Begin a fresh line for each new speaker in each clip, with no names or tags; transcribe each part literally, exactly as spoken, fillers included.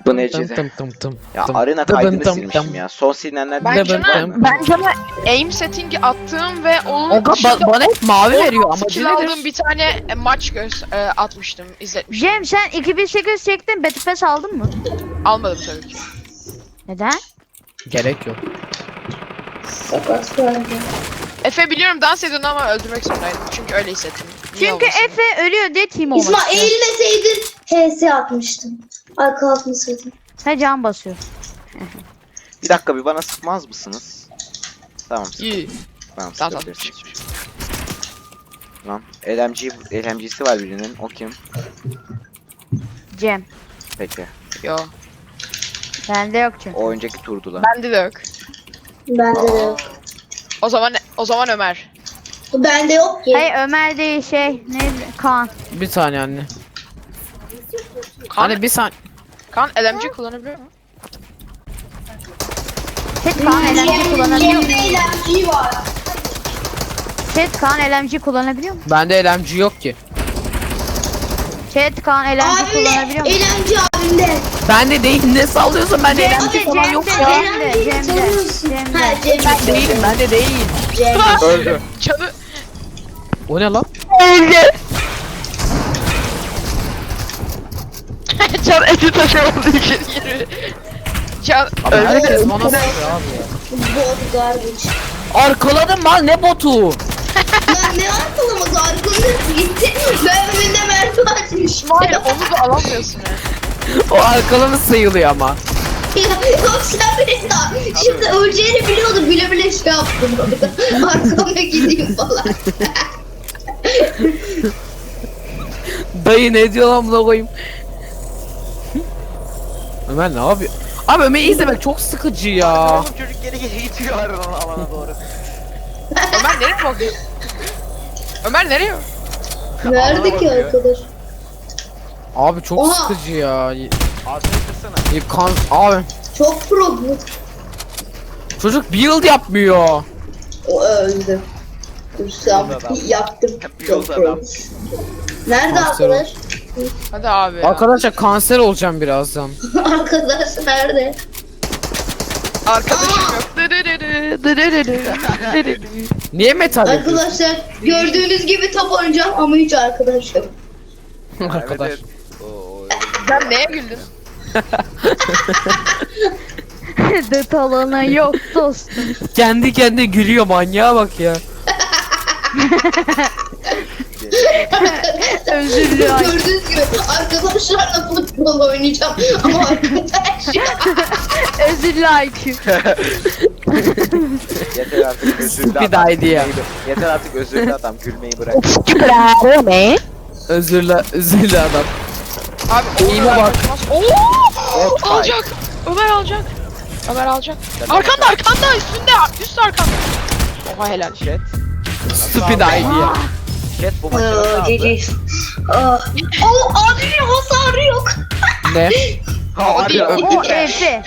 Bu necide.
Tım tım tım.
Ya
tım.
arena
Tıbın
kaydını
tım
silmişim
tım.
ya. Son silinenler
Ben
Dıbın
sana,
tım.
ben sana aim setting'i attığım ve onun
Oga ba bana hep mavi veriyor ama
skill aldığım bir tane e, maç göz e, atmıştım, izletmiştim.
Cem sen iki bin sekiz çektin, Battle Pass aldın mı?
Almadım tabii ki.
Neden?
Gerek yok.
Sakat verdi.
Efe biliyorum dans ediyordu ama öldürmek zorundaydım. Çünkü öyle hissettim. Niye
Çünkü
olmasın?
Efe ölüyor diye team olmak
İsmail
istiyor.
eğilmeseydin H S atmıştım. Arka atmasaydın.
He can basıyor.
Bir dakika bir bana sıkmaz mısınız? Tamam sık.
İyi.
Tamam
Tamam, tamam.
sıkabilirsiniz. Lan L M G, L M G'si var birinin. O kim?
Cem.
Peki.
Yo.
Bende yok çünkü.
O önceki turdu lan.
Bende de yok.
Bende de yok.
O zaman o zaman Ömer.
Bende yok ki.
Hayır Ömer değil şey neydi? Kaan.
Bir saniye anne.
Kan,
Anne bir saniye.
kan L M G kullanabiliyor mu?
Chat Kaan L M G kullanabiliyor mu?
Cem'de eğlence var.
Chat Kaan L M G kullanabiliyor mu?
Bende L M G yok ki.
Chat Kaan L M G
Abimde
kullanabiliyor mu?
eğlence abimde.
Bende değil, ne sallıyorsun, bende L M G
Cem'de,
falan yok
Cem'de,
ya.
Cem'de, Cem'de,
Tanıyorsun.
Cem'de.
Ha Cem'de.
Ben değilim, bende değil.
Cem'de.
Öldü.
Canı
O ne lan?
Can eti taşımadığı için yürü. Can
Abi
öldü.
herkes bana sallıyor abi ya.
Bot garbage.
Arkaladım lan, ne botu?
Lan ne arkalaması arkamda gitti. Ben önünde mermi açmış.
Hayır onu da alamıyorsun ya.
O arkalama sayılıyor ama.
Yok sen beni daha. Şimdi öleceğini biliyordum. Bile bile şey yaptım orada. Arkama gideyim falan.
Dayı ne diyor lan buna koyayım? Ömer ne yapıyor? Abi Ömer'i izlemek çok sıkıcı ya.
Oğlum çocuk geri geri gidiyor alana, alana doğru.
Ömer nereye bakıyor? Ömer nereye?
Nerede ki arkadaş?
Abi çok
Oha!
sıkıcı ya.
Ağzını kırsana.
Ya Kan abi
Çok pro bu.
çocuk build yapmıyor.
O öldü. Dur sen yaptım. Çok
Build
pro.
adam.
Nerede
Kanser
arkadaş?
Hadi abi ya.
Arkadaşlar kanser olacağım birazdan.
Arkadaş nerede?
Arkadaşım yok.
Niye metal yapıyorsun?
Arkadaşlar gördüğünüz gibi top oynayacağım ama hiç arkadaş yok.
Arkadaş.
Evet, evet. Oo,
Sen neye güldün?
Dıt alanı yok dostum.
Kendi kendine gülüyor, manyağa bak ya.
Özür dilerim.
Gördüğünüz gibi arkadaşlarla futbol oynayacağım ama arkadaş
Özür like.
Yeter artık özürlü
Stupid
adam.
idea.
Gülmeyi- Yeter artık özürlü adam gülmeyi bırak.
Özürlü, özürlü adam.
Abi
İyi
Ömer
bak.
kaçmaz. Oo!
Evet,
Alacak. Ömer alacak. Ömer alacak. Arkanda arkanda üstünde üst arkanda. Oha helal.
Chat.
Stupid idea.
Chat bu maçı nasıl aldı?
Ah. O abinin hasarı yok.
Ne?
Ha,
O
abi,
değil, o
abi.
O Efe.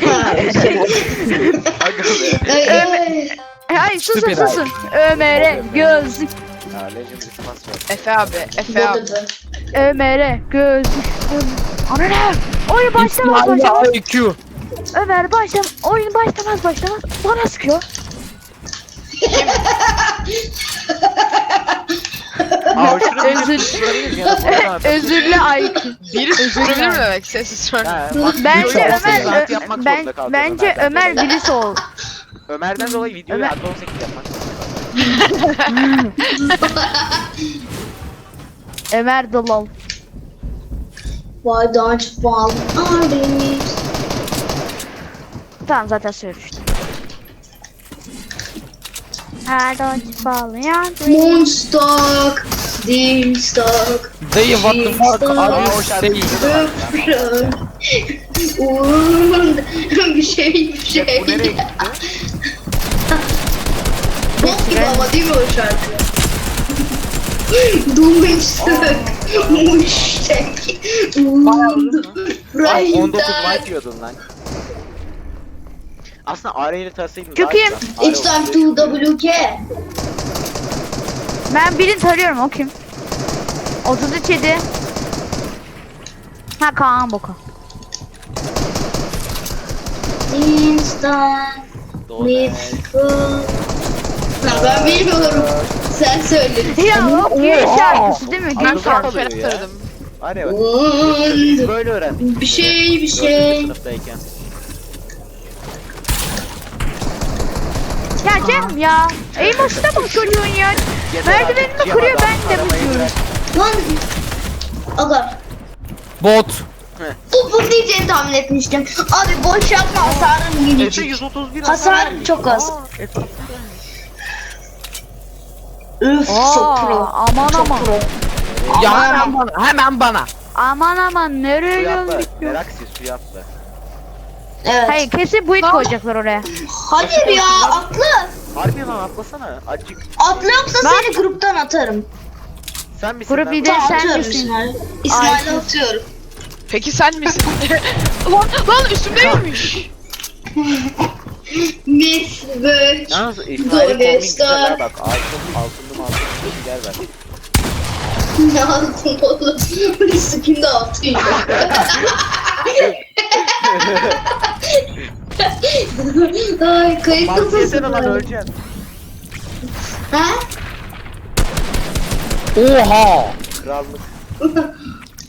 Aga be.
Ay, ay.
Hayır susun
Stupid
susun. Ömer'e gözlük.
Ya Legendary Pass var.
Efe abi, Efe abi.
Bodadı.
Ömer'e gözlük. Ana ne? Oyun başlamaz başlamaz.
İsmail I Q.
Ömer başlam. Oyun başlamaz başlamaz. Bana sıkıyor.
Aa şunu bir
Özür-
tutturabiliriz ya da buradan atalım.
Özürlü I Q.
Biri susturabilir mi demek sessiz sonra?
Ha, bak,
Bence
videoyu on sekiz
Ömer
saat yapmak
Ö- ben
zorunda kaldım
bence
Ömer'den
Ömer
dolayı.
birisi ol.
Ömer'den dolayı videoyu
Ömer-
artı on sekiz yapmak zorunda kaldım.
Ömer the lol.
Why don't you fall on me?
Tamam zaten söylemiştim. I don't fall in
Moonstock, Deemstock,
Dayı what the fuck
Aa,
are
o
you
şarkı
saying?
güzel.
Uğur'un bir şey bir şey.
Chat bu nereye gitti?
Bok gibi ama değil mi o şarkı? Doomstock, Moonstock,
Bak on dokuz
Uğur'un
like yiyordun lan. Aslında A R ile tarsaydın
Çok
daha
iyi.
güzel.
It's time to W K.
Ben birini tarıyorum o kim? otuz üç yedi. Ha Kaan Boka.
start
Doğru.
with good. Ha, ben bilmiyorum. Sen söyle.
Ya o giriş şarkısı değil mi?
Anladım.
Giriş
Ben
şarkısı.
Ferhat
ya.
aradım.
Var ya bak.
One.
Böyle öğrendik.
Bir şey bir
Dördüncü
şey.
sınıftayken.
Ya Cem ya. Ey başına mı kırıyorsun ya? Merdivenimi kırıyor ben de vuruyorum.
Lan. Aga.
Bot.
Bu bu diyeceğini tahmin etmiştim. Abi boş yapma, hasarın
Efe
gelecek.
yüz otuz bir
Hasar
vermiş.
çok az.
Aa, Efe.
Üf çok pro.
Aa, aman aman.
Ya
Aman
hemen bana. Hemen bana.
Aman aman nereye
Suya atla.
geldik ya?
Meraksi suya atla.
Evet.
Hayır kesin buit koyacaklar oraya.
Hayır ya, atla.
Harbi lan atlasana. Acık.
Atla yoksa seni gruptan atarım.
Sen misin
Grup
lan?
lideri
Tamam,
sen
atıyorum
misin?
İsmail. İsmail'e atıyorum.
Peki sen misin? lan lan üstümdeymiş.
Miss Birch.
Yalnız İsmail'in
Dole
kombin güzel
Star.
ha bak. Altın, altınlı altınlı bir yer ver.
Ne altın oğlum? Bu skin de altın. Ay kayıt
Mantı
kafası.
yesene lan öleceksin.
Ha?
Oha.
Krallık.